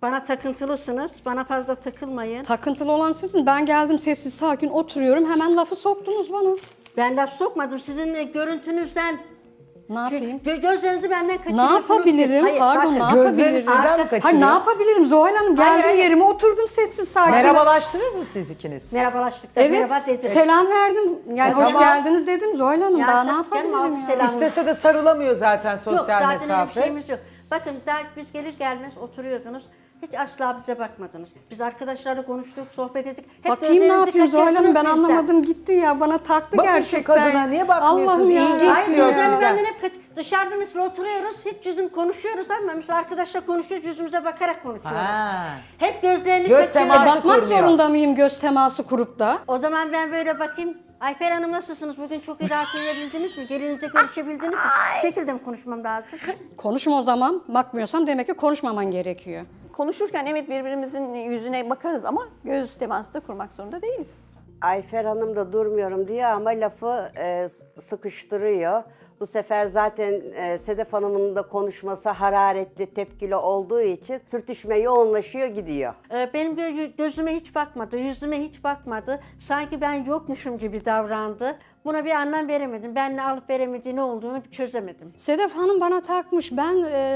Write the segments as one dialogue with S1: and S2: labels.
S1: Bana takıntılısınız. Bana fazla takılmayın.
S2: Takıntılı olan sizin. Ben geldim sessiz sakin oturuyorum. Hemen lafı soktunuz bana.
S1: Ben laf sokmadım. Sizin görüntünüzden
S2: Ne yapayım?
S1: gözlerinizi benden
S2: Ne
S1: kaçırıyorsunuz.
S2: yapabilirim?
S1: Hayır,
S2: Pardon,
S1: bakın.
S2: ne
S3: Gözlerini
S2: yapabilirim?
S3: sizden mi
S2: Hayır,
S3: kaçırıyor?
S2: ne yapabilirim Zuhal Hanım? Geldim
S1: hayır.
S2: yerime oturdum sessiz sakin.
S3: Merhabalaştınız mı siz ikiniz?
S1: Merhabalaştık da
S2: Evet,
S1: merhaba dedim.
S2: selam verdim. Yani hoş
S3: tamam.
S2: geldiniz dedim Zuhal Hanım.
S1: Ya
S2: Daha ne
S1: tabii canım,
S2: yapabilirim
S1: altı
S2: ya?
S1: selam.
S3: İstese de sarılamıyor zaten
S1: Yok
S3: sosyal
S1: zaten öyle bir
S3: mesafe.
S1: şeyimiz yok. Bakın daha biz gelir gelmez oturuyordunuz. Hiç asla bize bakmadınız. Biz arkadaşlarla konuştuk, sohbet ettik. Hep
S2: Bakayım ne
S1: gözlerinizi
S2: yapıyor Zuhal Hanım, ben
S1: kaçırdınız bizden.
S2: anlamadım gitti ya. Bana taktı
S3: Bakın şu
S2: gerçekten.
S3: kadına, niye bakmıyorsunuz?
S2: Allah'ım ya.
S3: İlgi
S1: Hayır,
S3: istiyor
S1: gözlerimi
S3: sizden.
S1: benden hep dışarıda mesela oturuyoruz, hiç yüzüm konuşuyoruz ama mesela arkadaşla konuşuyoruz, yüzümüze bakarak konuşuyoruz.
S3: Ha.
S1: Hep gözlerini
S3: Göz
S1: kaçırıyoruz.
S3: teması
S2: Bakmak
S3: kurmuyor.
S2: zorunda mıyım göz teması kurup da?
S1: O zaman ben böyle bakayım. Ayfer Hanım nasılsınız? Bugün çok iyi rahat uyuyabildiniz mi? Gelince görüşebildiniz mi? Bu şekilde mi konuşmam lazım?
S2: Konuşma o zaman. Bakmıyorsam demek ki konuşmaman gerekiyor.
S4: Konuşurken evet birbirimizin yüzüne bakarız ama göz teması da kurmak zorunda değiliz.
S5: Ayfer Hanım da durmuyorum diyor ama lafı sıkıştırıyor. Bu sefer zaten Sedef Hanım'ın da konuşması hararetli, tepkili olduğu için sürtüşme yoğunlaşıyor, gidiyor.
S1: Benim gözüme hiç bakmadı, yüzüme hiç bakmadı. Sanki ben yokmuşum gibi davrandı. Buna bir anlam veremedim. Ben ne alıp veremediği ne olduğunu bir çözemedim.
S2: Sedef Hanım bana takmış. Ben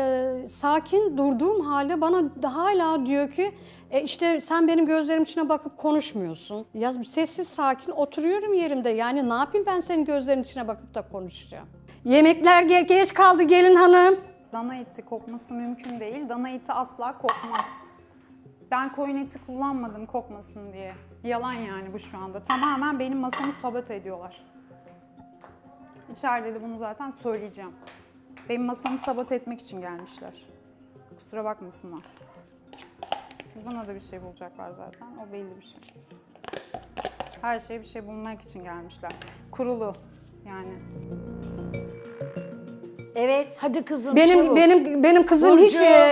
S2: sakin durduğum halde bana hala diyor ki işte sen benim gözlerim içine bakıp konuşmuyorsun. Ya sessiz sakin oturuyorum yerimde. Yani ne yapayım ben senin gözlerin içine bakıp da konuşacağım. Yemekler geç kaldı gelin hanım.
S6: Dana eti kokması mümkün değil. Dana eti asla kokmaz. Ben koyun eti kullanmadım kokmasın diye. Yalan yani bu şu anda. Tamamen benim masamı sabote ediyorlar. İçeride de bunu zaten söyleyeceğim. Benim masamı sabote etmek için gelmişler. Kusura bakmasınlar. Buna da bir şey bulacaklar zaten. O belli bir şey. Her şeye bir şey bulmak için gelmişler. Kurulu yani.
S1: Evet.
S7: Hadi kızım
S2: Benim
S7: çabuk.
S2: benim kızım
S7: Burcu.
S2: hiç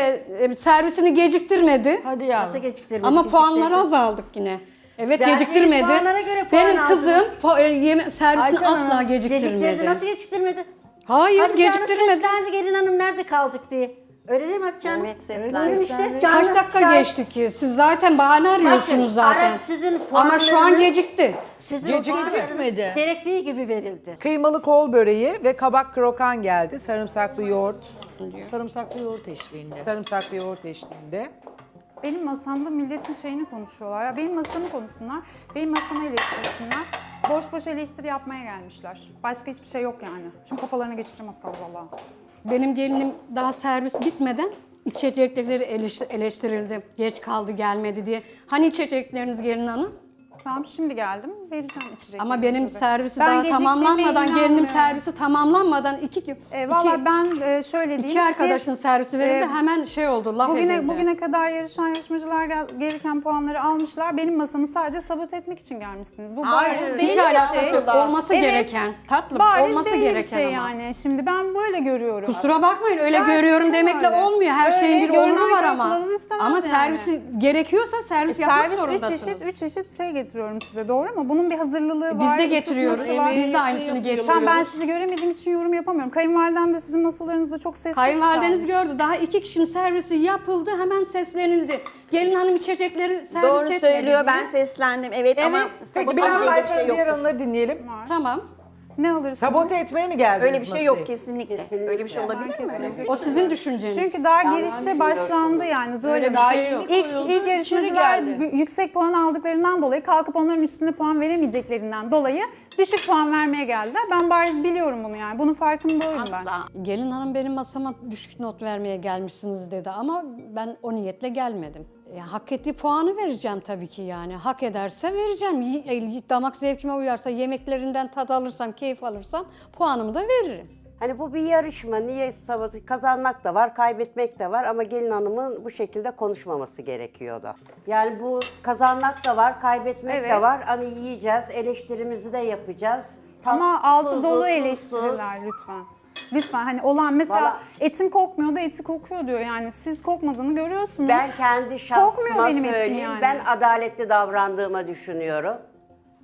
S2: servisini geciktirmedi.
S7: Hadi yavrum.
S1: Nasıl geciktirmedi?
S2: Ama puanları azaldık yine. Evet
S1: Verdiğiniz
S2: geciktirmedi.
S1: puanlara göre puan
S2: Benim kızım
S1: aldınız.
S2: servisini
S7: Ayten
S2: asla
S7: Hanım,
S2: geciktirmedi.
S1: Geciktirdi. Nasıl geciktirmedi?
S2: Hayır
S1: Hatice Hanım
S2: geciktirmedi.
S1: seslendi gelin hanım nerede kaldık diye. Öyle değil mi Hatice Hanım?
S4: Evet,
S1: Buyurun
S4: seslendi.
S1: işte.
S2: Kaç
S1: Canlı
S2: dakika
S1: şahit.
S2: geçti ki? Siz zaten bahane arıyorsunuz
S1: Bakın,
S2: zaten.
S1: sizin
S2: Ama şu an
S1: puanlarınız-
S2: gecikti.
S1: Sizin
S3: Gecikmedi.
S1: puanlarınız gerektiği gibi verildi.
S3: Kıymalı kol böreği ve kabak krokan geldi. Sarımsaklı yoğurt.
S7: Sarımsaklı yoğurt eşliğinde.
S3: Sarımsaklı yoğurt eşliğinde.
S6: Benim masamda milletin şeyini konuşuyorlar. Ya benim masamı konuşsunlar, benim masamı eleştirsinler. Boş boş eleştiri yapmaya gelmişler. Başka hiçbir şey yok yani. Şimdi kafalarına geçeceğim az kaldı vallahi.
S2: Benim gelinim daha servis bitmeden içecekleri eleştirildi. Geç kaldı gelmedi diye. Hani içecekleriniz gelin hanım?
S6: Tamam şimdi geldim, vereceğim içecekleri.
S2: Ama benim
S6: size.
S2: servisi
S6: Ben
S2: daha
S6: geciktiğime
S2: tamamlanmadan, gelinim
S6: inanmıyorum.
S2: servisi tamamlanmadan
S6: Valla ben şöyle diyeyim.
S2: iki arkadaşın
S6: siz,
S2: servisi verildi
S6: e,
S2: hemen şey oldu laf edildi.
S6: Bugüne kadar yarışan yarışmacılar gereken puanları almışlar. Benim masamı sadece sabote etmek için gelmişsiniz. Bu bariz belli
S2: Hiç
S6: bir
S2: alakası
S6: şey.
S2: yok. Olması
S6: Evet,
S2: gereken, tatlım
S6: bariz
S2: olması
S6: belli bir
S2: gereken
S6: şey
S2: ama.
S6: yani. Şimdi ben böyle görüyorum.
S2: Kusura bakmayın öyle
S6: Gerçekten
S2: görüyorum demekle
S6: öyle.
S2: olmuyor. Her
S6: Öyle,
S2: şeyin bir
S6: görünen
S2: oluru var
S6: köy
S2: ama.
S6: kılavuz istemez
S2: Ama
S6: yani.
S2: servisi gerekiyorsa servis yapmak
S6: Servis
S2: zorundasınız.
S6: üç çeşit şey getiriyorum size doğru mu? Bunun bir hazırlığı var.
S2: Biz de getiriyoruz.
S6: ısıtması var.
S2: Biz de aynısını getiriyoruz.
S6: Tamam ben sizi göremediğim için yorum yapamıyorum. Kayınvalidem de sizin masalarınızda çok sessiz
S2: Kayınvalideniz
S6: kalmış.
S2: gördü. Daha 2 kişinin servisi yapıldı. Hemen seslenildi. Gelin hanım içecekleri servis
S4: Doğru
S2: etmedi
S4: söylüyor,
S2: diye.
S4: ben seslendim. Evet, ama
S2: Evet.
S3: Peki
S4: sabote
S3: biraz
S4: öyle bir şey
S3: Ayfer'in diğer
S4: yoktur.
S3: anıları dinleyelim.
S2: Tamam.
S6: Ne alırsınız?
S3: Sabote etmeye mi geldiniz
S4: Öyle bir şey
S3: masayı?
S4: yok kesinlikle. Öyle bir şey olabilir mi?
S2: O sizin düşünceniz.
S6: Çünkü daha girişte başlandı yani.
S2: Öyle bir şey yok.
S6: İlk yarışmacılar yüksek puan aldıklarından dolayı kalkıp onların üstünde puan veremeyeceklerinden dolayı düşük puan vermeye geldiler. Ben bariz biliyorum bunu yani. Bunun farkındayım ben.
S2: Asla. Gelin hanım benim masama düşük not vermeye gelmişsiniz dedi ama ben o niyetle gelmedim. Hak ettiği puanı vereceğim tabii ki yani. Hak ederse vereceğim. Damak zevkime uyarsa, yemeklerinden tad alırsam, keyif alırsam puanımı da veririm.
S5: Hani bu bir yarışma, niye kazanmak da var, kaybetmek de var ama gelin hanımın bu şekilde konuşmaması gerekiyordu. Yani bu kazanmak da var, kaybetmek de
S6: Evet.
S5: var. Hani yiyeceğiz, eleştirimizi de yapacağız.
S6: Ama
S5: Tatlı,
S6: altı
S5: tuzlu,
S6: dolu
S5: tuzsuz.
S6: eleştiriler lütfen. Lütfen hani olan mesela
S5: Valla-
S6: etim kokmuyor da eti kokuyor diyor yani siz kokmadığını görüyorsunuz.
S5: Ben kendi şahsıma
S6: Kokmuyor benim etim
S5: söyleyeyim,
S6: yani.
S5: ben adaletli davrandığıma düşünüyorum.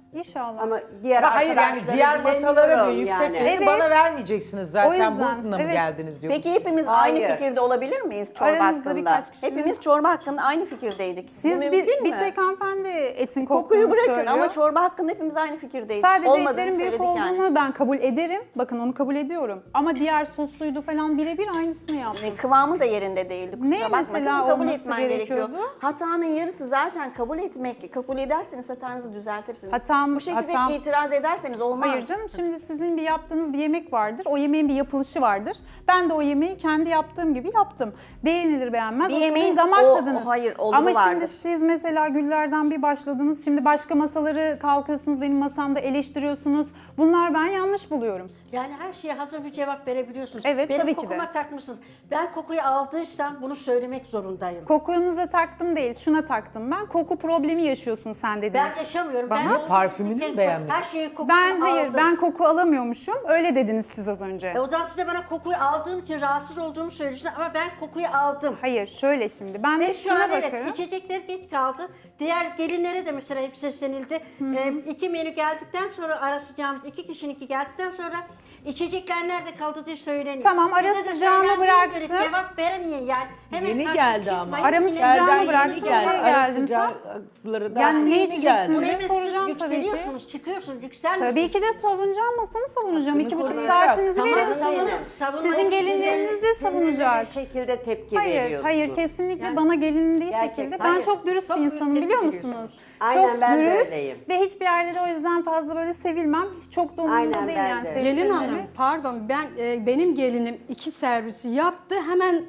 S6: İnşallah.
S5: Ama diğer
S3: Ama hayır yani
S5: arkadaşları
S3: diğer masalara diyor
S5: bilemiyorum
S3: yükseklerini
S6: Evet.
S3: bana vermeyeceksiniz zaten.
S6: O yüzden,
S3: Bununla mı
S6: evet.
S3: geldiniz diyor.
S4: Peki hepimiz
S5: Hayır.
S4: aynı fikirde olabilir miyiz çorba
S6: Aranızda
S4: hakkında?
S6: birkaç kişinin-
S4: Hepimiz çorba hakkında aynı fikirdeydik. Bu
S6: Siz
S4: mümkün
S6: bir
S4: mü?
S6: tek hanımefendi etin
S4: Kokuyu
S6: koktuğunu
S4: bırakın
S6: söylüyor.
S4: ama çorba hakkında hepimiz aynı fikirdeydik.
S6: Sadece
S4: Olmadığını
S6: etlerin büyük
S4: söyledik
S6: olduğunu
S4: yani.
S6: ben kabul ederim. Bakın onu kabul ediyorum. Ama diğer sosuydu falan birebir aynısını yaptım.
S4: Kıvamı da yerinde değildi. Kusura
S6: Ne
S4: bakma.
S6: mesela
S4: Kızım, kabul
S6: olması
S4: etmen
S6: gerekiyordu?
S4: Hatanın yarısı zaten kabul etmek. Kabul ederseniz hatanızı düzeltirsiniz. Bu şekilde
S6: hatam-
S4: itiraz ederseniz olmaz.
S6: Hayır canım, şimdi sizin bir yaptığınız bir yemek vardır. O yemeğin bir yapılışı vardır. Ben de o yemeği kendi yaptığım gibi yaptım. Beğenilir beğenmez.
S4: Bir
S6: O sizin
S4: yemeğin
S6: damak
S4: o-
S6: tadınız.
S4: hayır, oluru
S6: Ama şimdi
S4: vardır.
S6: siz mesela güllerden bir başladınız. Şimdi başka masaları kalkıyorsunuz. Benim masamda eleştiriyorsunuz. Bunlar ben yanlış buluyorum.
S1: Yani her şeye hazır bir cevap verebiliyorsunuz.
S6: Evet,
S1: Benim
S6: tabii ki de.
S1: kokuma takmışsınız. Ben kokuyu aldıysam bunu söylemek zorundayım.
S6: Kokunuza taktım değil, şuna taktım ben. Koku problemi yaşıyorsun sen dediniz.
S1: Ben yaşamıyorum.
S3: Bana
S1: ben
S3: parfümünü mü
S1: her
S3: beğenmedin?
S1: Her şeyin kokusunu
S6: Ben hayır,
S1: aldım.
S6: ben koku alamıyormuşum. Öyle dediniz siz az önce.
S1: O zaman size bana kokuyu aldığım için rahatsız olduğumu söylüyorsunuz ama ben kokuyu aldım.
S6: Hayır, şöyle şimdi. Ben de
S1: Ve şu
S6: şuna
S1: an evet
S6: bakıyorum.
S1: içecekler geç kaldı. Diğer gelinlere de mesela hep seslenildi. 2 menü geldikten sonra ara sıcağımız 2 kişininki geldikten sonra içecekler nerede kaldı diye söyleniyor.
S6: Tamam, ara
S1: Size de
S6: sıcağını
S1: söylendiğine
S6: bıraktım.
S1: göre cevap veremeyin yani. Hemen
S8: Yeni
S1: karşı
S8: geldi ama.
S1: çıkmayın.
S6: Aramı
S1: Yine-
S6: sıcağını
S8: Serden
S6: bıraktım,
S8: yeni geldi.
S6: buraya
S8: Ara
S6: geldim.
S8: sıcakları da
S6: Yani ne
S8: yeni
S6: içeceksiniz?
S8: geldi.
S1: Buraya da siz
S6: soracağım tabii ki.
S1: yükseliyorsunuz, çıkıyorsunuz, yükselmiyorsunuz.
S6: Tabii ki de savunacağım, masamı savunacağım. 2,5
S8: koruyacak.
S6: saatinizi
S1: Tamam,
S6: veriyorsunuz.
S1: savunun.
S6: Sizin gelinleriniz de savunacak.
S5: Bir şekilde tepki
S6: Hayır,
S5: veriyorsunuz.
S6: hayır, kesinlikle bana gelindiği
S5: Gerçek-
S6: şekilde. Ben
S5: hayır.
S6: çok dürüst
S1: Çok
S6: bir
S1: büyük
S6: insanım,
S1: tepki
S6: biliyor
S1: veriyorsunuz.
S6: musunuz?
S5: Aynen,
S6: çok
S5: ben de
S6: dürüst
S5: öyleyim.
S6: ve hiçbir yerde de o yüzden fazla böyle sevilmem. Çok da umurumda
S5: Aynen,
S6: değil
S5: ben
S6: yani.
S5: de.
S6: sevip
S2: Gelin
S6: sevmemi.
S2: hanım pardon benim gelinim 2 servisi yaptı hemen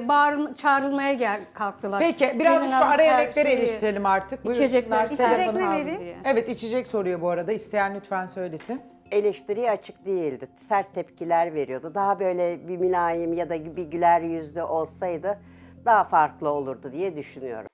S2: çağrılmaya kalktılar.
S3: Peki birazcık
S2: Gelin
S3: şu
S2: hanım
S3: ara yemekleri
S2: servisi,
S3: eleştirelim artık. Buyurun.
S2: İçecekler
S6: İçecek
S2: servis
S6: ne
S2: aldı
S6: vereyim?
S2: diye.
S3: Evet içecek soruyor bu arada. İsteyen lütfen söylesin.
S5: Eleştiriye açık değildi. Sert tepkiler veriyordu. Daha böyle bir mülayim ya da bir güler yüzlü olsaydı daha farklı olurdu diye düşünüyorum.